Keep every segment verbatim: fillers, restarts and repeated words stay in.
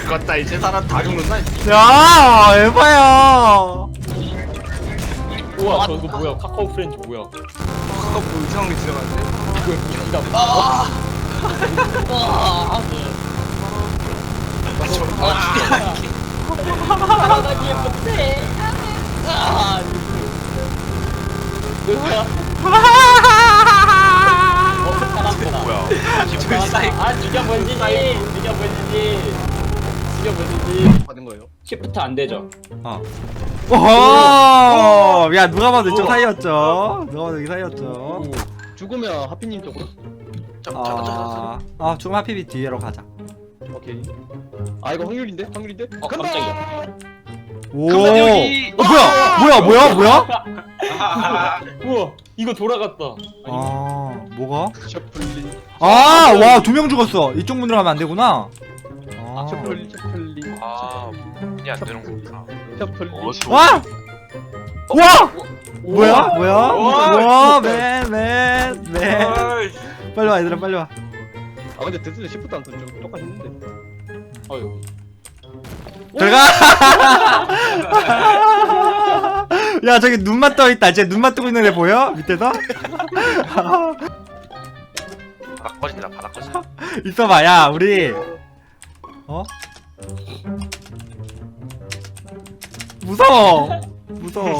죽었다 이제 사람 다 죽는다. 야 에바야. 우와 저거 뭐야? 카카오 프렌즈 뭐야? 아까 뭐 이상한 게 지나갔는데? 이거 이거 아! 아! 아, 저, 아, 살아가기 못해. 아! 으아! 어, 살았구나. 뭐야? 아, 아, 죽여 번지지. 죽여 번지지. 죽여 번지지. 받은 거예요? 시프트 안 되죠? 어. 오호. 야 누가 봐도 이쪽 사이였죠. 누가 봐도 여기 사이였죠. 죽으면 하피님 쪽으로. 아, 아 죽음 하피비 뒤로 가자. 오케이. 아 이거 확률인데? 확률인데? 어, 간다! 깜짝이야. 오. 그만 여기. 어, 뭐야? 뭐야? 뭐야? 뭐야? 우와, 이거 돌아갔다. 아, 뭐가? 셔플리. 아, 와, 두 명 죽었어. 이쪽 문으로 가면 안 되구나. 아. 셔플리. 셔플리. 아, 문이 안 되는 거구나. 셔플리. 와! 와! 뭐야? 뭐야? 우와. 와, 맨, 맨, 맨. 어이. 빨리 와, 얘들아, 빨리 와. 아 근데 데스는 시프트 안 썼죠? 똑같이 했는데. 어휴. 들어가! 야, 저기 눈만 떠 있다. 쟤 눈만 뜨고 있는 애 보여? 밑에서? 바닥 꺼진다, 바닥 꺼진다. 있어봐, 야, 우리. 어? 무서워! 무서워.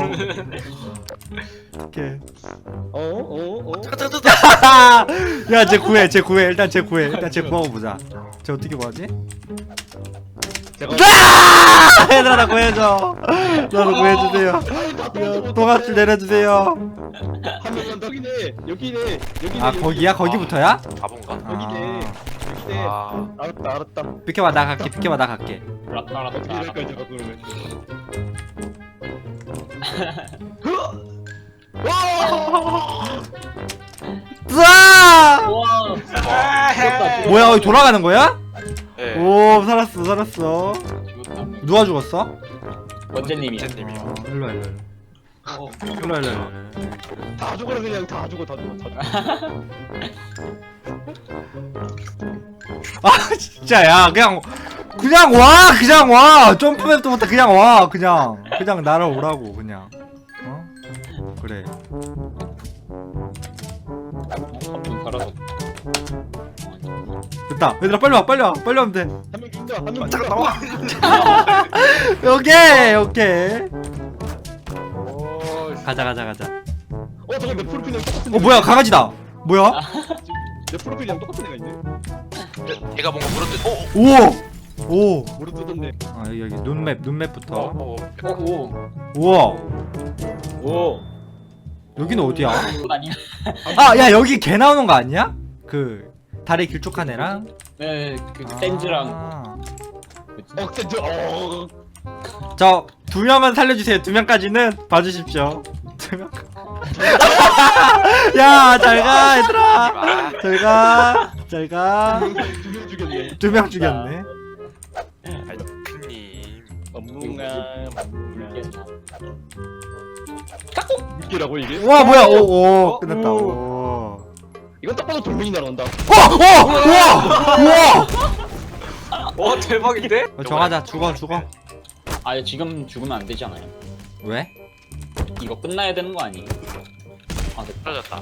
오케이. 어? 어? 어? 야, 쟤 구해, 쟤 구해. 일단 쟤 구해. 일단 쟤 구하고 보자. 쟤 어떻게 구하지? 제가 아! 얘들아, 나 구해줘. 나도 구해주세요. 야, 동아줄 내려주세요. 한 명만 더 여기네. 여기네. 여기네. 아, 거기야? 거기부터야? 바본가? 여기네. 여기네. 아, 알았다 알았다. 비켜봐, 나 갈게. 비켜봐, 나 갈게. 알았다, 알았다, 이럴 알았다. 거야 제가 그러면. 으아! 우와. 죽었다, 뭐야, 여기 돌아가는 거야? 예. 오, 살았어, 살았어. 죽었다. 누가 죽었어? 원재님이야. 젠님이요. 어, 일로와, 일로와. 어. 일로와, 일로와. 다 죽어라 그냥 다 죽어 다 죽어 다 죽어. 아, 진짜, 야, 그냥, 그냥 와, 그냥 와. 점프맵부터 그냥 와, 그냥. 그냥 날아오라고, 그냥. 어? 그래. 한분 살아서. 됐다. 얘들아, 빨리 와, 빨리 와, 빨리 오면 돼. 한 명 죽인다. 한 명 잠깐 죽인다. 나와. 오케이, 오케이. 오, 가자, 가자, 가자. 어 저거 내 프로필이랑 똑같은. 어, 뭐야, 강아지다. 뭐야? 내 프로필이랑 똑같은 애가 있네. 얘가 뭔가 물어뜯. 오, 오! 오! 모르 뜯었네. 아, 여기, 여기, 눈맵, 눈맵부터. 어, 어, 오. 우와! 오. 여기는 어디야? 아니야. 아, 야, 여기 개 나오는 거 아니야? 그, 다리 길쭉한 애랑? 네, 그 센즈랑. 아. 어 근데 어. 저, 두 명은 살려주세요. 두 명까지는 봐주십시오. 두 명. 야, 잘 가, 얘들아. 잘 가. 잘 가. 두명 죽였네. 두 명 죽였네. 크님. 멍뭉아. 물겠나? 웃기라고 이게? 와, 뭐야. 오, 오. 끝났다. 오. 이건 딱 봐도 돌멩이 날아온다. 어, 어, 우와! 우와! 어, 대박인데? 어, 정하자. 죽어, 죽어. 아, 지금 죽으면 안 되잖아요. 왜? 이거 끝나야 되는 거 아니에요? 아, 됐다. 떨어졌다.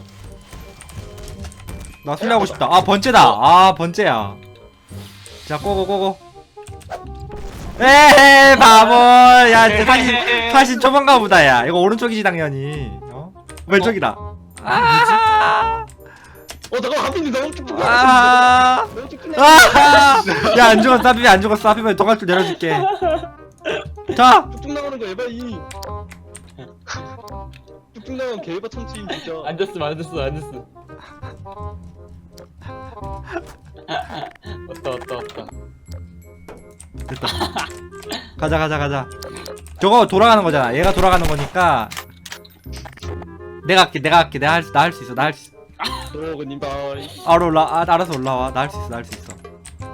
나 술래하고 싶다. 아, 번째다. 아, 번째야. 자, 고고, 고고. 에헤, 바보. 야, 진짜 사신, 사신 초반가 보다, 야. 이거 오른쪽이지, 당연히. 어? 왼쪽이다. 아, 어 잠깐 하피님 너무 쭉쭉 나가. 아, 너무 쭉쭉 아. 야, 안 죽었어. 하피면 안 죽었어. 하피면 동아줄 내려줄게. 자, 쭉쭉 나가는 거 에바이. 쭉쭉 나가면 개에바 참치인 진짜. 앉았어, 앉았어, 앉았어. 왔다, 왔다, 왔다. 됐다. 가자, 가자, 가자. 저거 돌아가는 거잖아. 얘가 돌아가는 거니까. 내가 할게, 내가 할게. 내가 할 수, 나 할 수 있어, 나 할 수 있어. 도로그님 바이. 알아, 올라, 아, 알아서 올라와. 나 할 수 있어, 나 할 수 있어.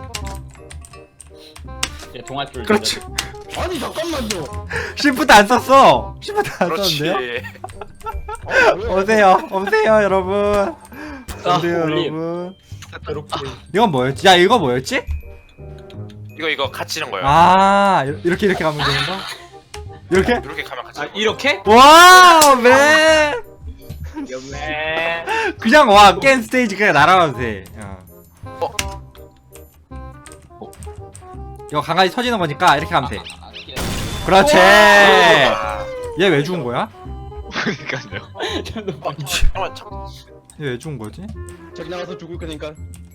얘 동아줄. 그렇지. 아니 잠깐만요. 시프트 안 썼어. 시프트 안 그렇지. 썼는데요? 아, 뭐야? 오세요, 오세요, 여러분. 오세요, 올림. 여러분. 이렇게. 이건 뭐였지? 야, 이거 뭐였지? 이거 이거 갇히는 거예요. 아 이렇게 이렇게 가면 되는 거? 이렇게? 이렇게 가면 아 갇히는 거. 이렇게? 와우 맨 네. 그냥 와 게임 스테이지 그냥 날아가도 돼. 어. 이거 강아지 터지는 거니까 이렇게 가면 돼. 아, 그렇지. 아, 얘 왜 죽은 거야? 그러니까요. 잠깐만 참. 얘 왜 죽은 거지? 저기 나가서 죽을 거니까.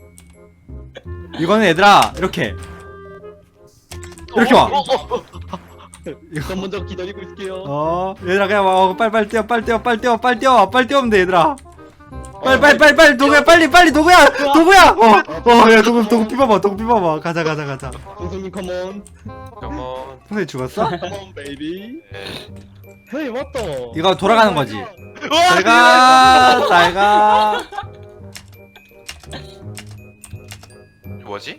이거는 얘들아 이렇게 이렇게 와. 어, 어, 어. 전 먼저 기다리고 있을게요. 어 얘들아 그냥 와 빨리 빨리 뛰어 빨리 뛰어 빨리 뛰어 빨리 뛰어 빨리 뛰어면 돼 얘들아. 빨리 빨리 빨리 빨리 도구야 빨리 빨리 도구야 도구야. 어어야 도구 도구 피봐봐 도구 피봐봐 가자 가자 가자. 동성님 컴온. 잠깐만. 선생님 죽었어? 컴온 베이비. 네. 헤이 왔다. 이거 돌아가는 거지. 잘가 잘가. 이거 뭐지?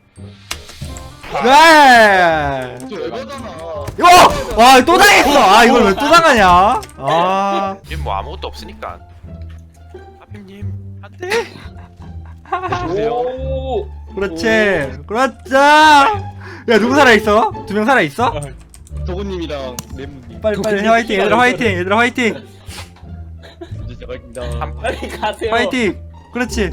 네. 저 에바잖아. 이거 와또 당했어. 아 이걸 왜 또 당하냐? 아 지금 뭐 아무것도 없으니까. 하필님 안돼. 보세요. 오. 그렇지 그렇지. 야 누구 살아 있어? 두 명 살아 있어? 도구님이랑 레몬님. 빨리 빨리 화이팅 얘들아 화이팅 얘들아 화이팅 이제 시작합니다. 한 빨리 가세요. 화이팅. 그렇지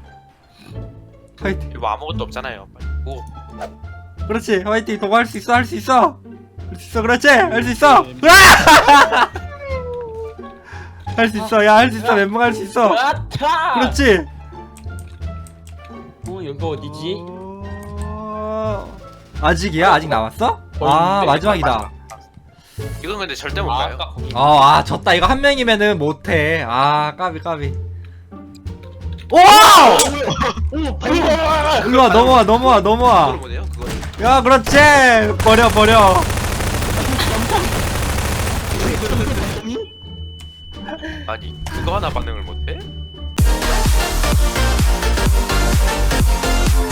화이팅. 이거 뭐 아무것도 없잖아요. 빨리. 오. 그렇지 화이팅. 너가 할 수 있어 할 수 있어 할 수 있어 그렇지 할 수 있어. 할 수 있어 야 할 수 있어 멘붕 할 수 있어. 아타. 그렇지. 어 여기 어디지? 어... 아직이야 아직 남았어? 거의 아 있는데. 마지막이다. 이건 근데 절대 못 아, 가요. 아까 거기. 어, 아, 졌다. 이거 한 명이면은 못해. 아, 까비, 까비. 오! 오 바로. 일로 와, 넘어와, 넘어와, 그걸 넘어와. 못해요? 그걸. 야, 그렇지! 버려, 버려. 아니 그거 하나 반응을 못해?